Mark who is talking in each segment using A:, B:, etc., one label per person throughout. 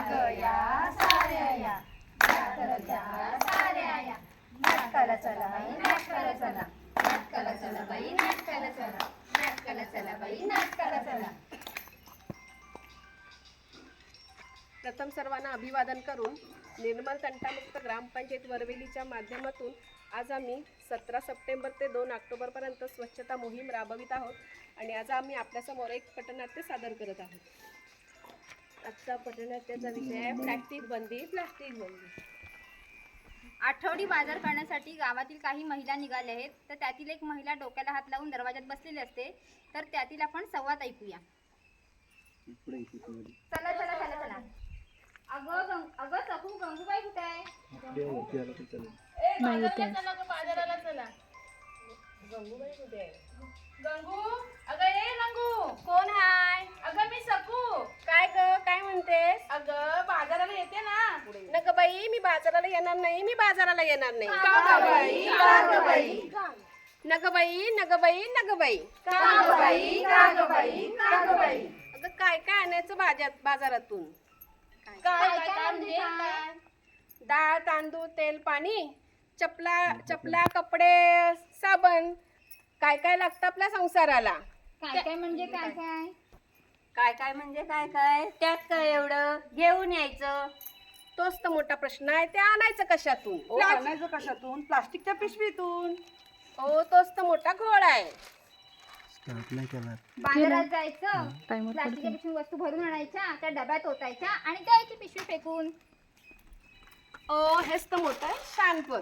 A: ग या साऱ्या या नाटकलच्या साऱ्या या नाटकाला चला बाई नाटकाला चला नाटकाला चला बाई नाटकाला चला नाटकाला चला बाई नाटकाला चला.
B: प्रथम सर्वांना अभिवादन करून निर्मल तंटामुक्त ग्रामपंचायत वरवेलीच्या माध्यमातून आज आम्ही 17 सप्टेंबर ते 2 ऑक्टोबरपर्यंत स्वच्छता मोहीम राबवित आहोत आणि आज आम्ही आपल्यासमोर एक पटनाट्य सादर करत आहोत. आजचा पटनाट्याचा विषय आहे प्लास्टिक बंदी. प्लास्टिक बंदी.
C: आठवडी बाजार करण्यासाठी गावातील काही महिला निघाल्या आहेत, तर त्यातील एक महिला डोक्याला हात लावून दरवाजात बसलेली असते, तर त्यातील आपण संवाद ऐकूया. चला चला चला चला. अगं सखू, गंगूबाई कुठे आहे?
A: बाजाराला चला.
B: गंगूबाई कुठे आहे?
A: गंगू, अगं ए गंगू.
B: कोण हाय?
A: अगं मी सकू.
B: काय ग, काय म्हणतेस?
A: अगं बाजाराला येते ना.
B: नग बाई, मी बाजाराला येणार नाही. मी बाजाराला येणार नाही.
A: का ग बाई? का ग बाई?
B: नग बाई, नग बाई, नग बाई.
A: का ग बाई? का ग बाई? का ग बाई?
B: अगं काय काय आणायचं बाजारातून?
A: काय काय म्हणजे काय?
B: डाळ, तांदूळ, तेल, पाणी, चपला, कपडे, साबण, काय काय लागतं आपल्या संसाराला.
C: काय काय म्हणजे काय काय?
D: काय काय म्हणजे काय काय? त्यात काय एवढं? घेऊन यायचं.
B: तोच तर मोठा प्रश्न आहे. ते आणायचं कशातून?
E: आणायचं कशातून? प्लास्टिकच्या पिशवीतून.
B: हो, तोच तर मोठा घोळ आहे.
C: बाजारात जायचं, प्लास्टिकच्या पिशवी वस्तू भरून आणायच्या, त्या डब्यात ओतायच्या आणि द्यायची पिशवी फेकून.
B: ओ, हेच तर मोठं शानपण.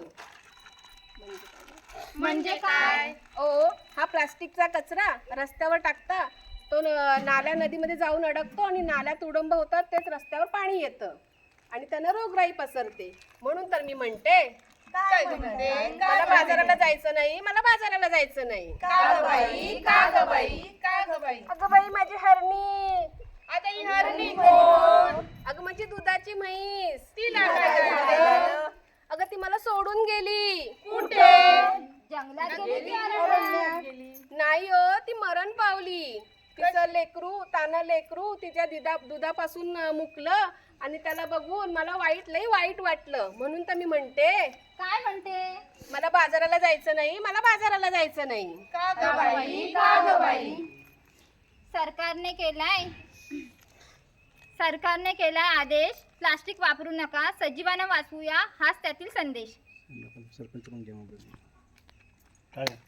C: म्हणजे काय?
B: ओ, हा प्लास्टिकचा कचरा रस्त्यावर टाकता, तो नाल्या नदीमध्ये जाऊन अडकतो आणि नाल्यात उडंब होतात, तेच रस्त्यावर पाणी येतं आणि त्यानं रोगराई पसरते. म्हणून तर मी म्हणते, मला बाजाराला जायचं नाही. मला बाजाराला जायचं नाही.
A: का ग बाई? का ग बाई? का ग बाई?
B: अगं बाई, माझी हरणी.
A: आता ही हरणी कोण?
B: अगं माझी दुधाची म्हैस.
A: तिला काय झालं?
B: अगं ती मला सोडून गेली.
A: कुठे?
C: जंगलात गेली की अरण्यात?
B: नाही हो, ती मरण पावली. तिचं तानं लेकरू तिच्या दुधापासून मुकलं आणि त्याला बघून मला लई वाईट वाटलं. म्हणून तर मी म्हणते,
C: काय म्हणते?
B: मला बाजाराला जायचं नाही. मला बाजाराला जायचं नाही.
A: का ग बाई? का ग बाई?
C: सरकारने केलाय आदेश, प्लास्टिक वापरू नका, सजीवांना वाचवूया, हाच त्यातील संदेश.
F: सरपंच